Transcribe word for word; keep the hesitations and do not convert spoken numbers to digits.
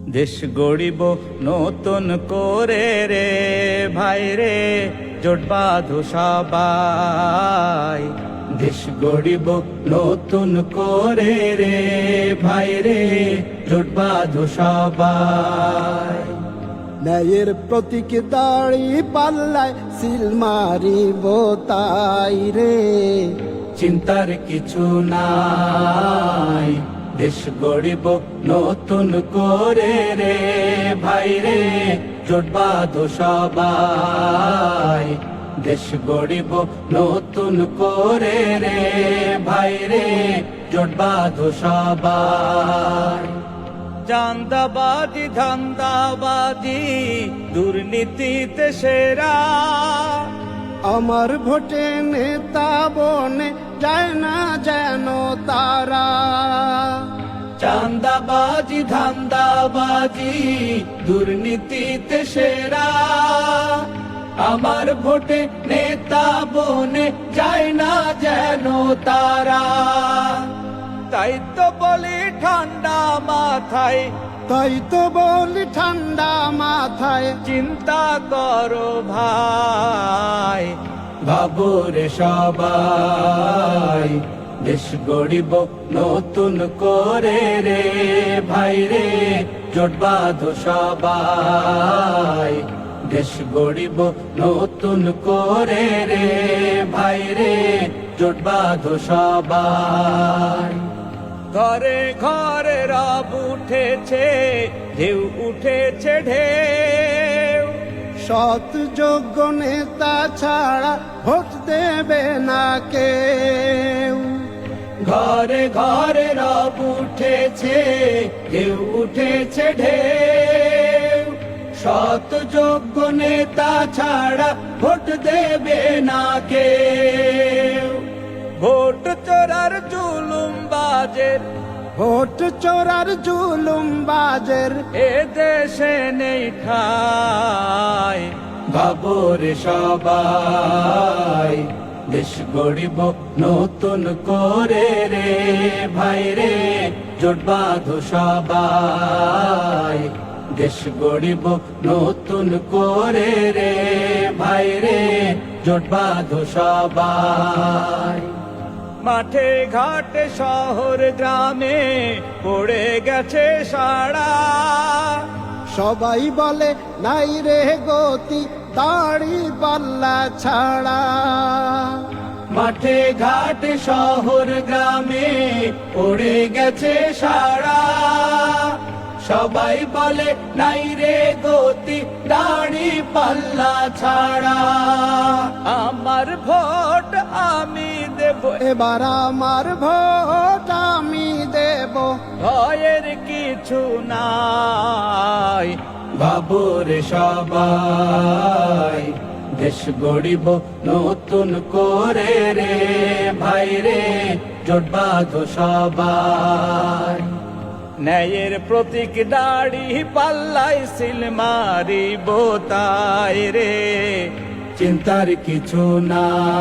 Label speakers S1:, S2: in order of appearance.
S1: দেশ গড়িব নতুন করে রে ভাই রে, জোট বাঁধো সবাই। দেশ গড়িব নতুন করে রে ভাই রে, জোট বাঁধো সবাই।
S2: ন্যায়ের প্রতীক দাড়ি পাল্লায় সিল মারিব তাই রে,
S1: চিন্তার কিছু নাই। দেশ গড়িব নতুন করে রে ভাই রে, জোট বাঁধো সবাই। দেশ গড়িব নতুন করে রে ভাই রে, জোট বাঁধো সবাই। চাঁদাবাজি ধান্দাবাজি দুর্নীতিতে সেরা,
S2: আমার ভোটে নেতা বনে যায় না যেন তারা।
S1: চাঁদাবাজি ধান্দাবাজি দুর্নীতিতে সেরা, আমার ভোটে নেতা বনে যায় না যেন তারা। তাই তো বলি ঠান্ডা মাথায়,
S2: তাই তো বলি ঠান্ডা মাথায়,
S1: চিন্তা করো ভাই। ভাবো রে সবাই, দেশ গড়িব নতুন করে রে ভাই রে, জোট বাঁধো সবাই। দেশ গড়িব নতুন করে রে ভাই রে, জোট বাঁধো সবাই। ঘরে ঘরে রব উঠেছে, ঢেউ উঠেছে ঢেউ,
S2: সৎ যোগ্য নেতা ছাড়া ভোট দেবে না কেউ।
S1: ঘরে ঘরে রব উঠেছে, ঢেউ উঠেছে ঢেউ, সৎ যোগ্য নেতা ছাড়া ভোট দেবে না কেউ। ভোট চোরার জুলুম বাজের,
S2: ভোট চোরার জুলুম বাজের
S1: এ দেশে নেই ঠাই। ভাবো রে সবাই, দেশ গড়িব নতুন করে রে ভাই রে, জোট বাঁধো সবাই। দেশ গড়িব নতুন করে রে ভাই রে, জোট বাঁধো সবাই। মাঠে ঘাটে শহর গ্রামে পড়ে গেছে সাড়া,
S2: সবাই বলে নাই রে গতি দাড়ি পাল্লা ছাড়া।
S1: মাঠে ঘাটে শহর গ্রামে পড়ে গেছে সাড়া, সবাই বলে নাই রে গতি দাড়ি পাল্লা ছাড়া। আমার ভোট আমি দেব,
S2: এবার আমার ভোট আমি দেব,
S1: ভয়ের কিছু নাই। ভাবো রে সবাই, দেশ গড়িব নতুন করে রে ভাই রে, জোট বাঁধো সবাই। ন্যায়ের প্রতীক দাড়ি পাল্লাই সিল মারিব তাই রে, চিন্তার কিছু না।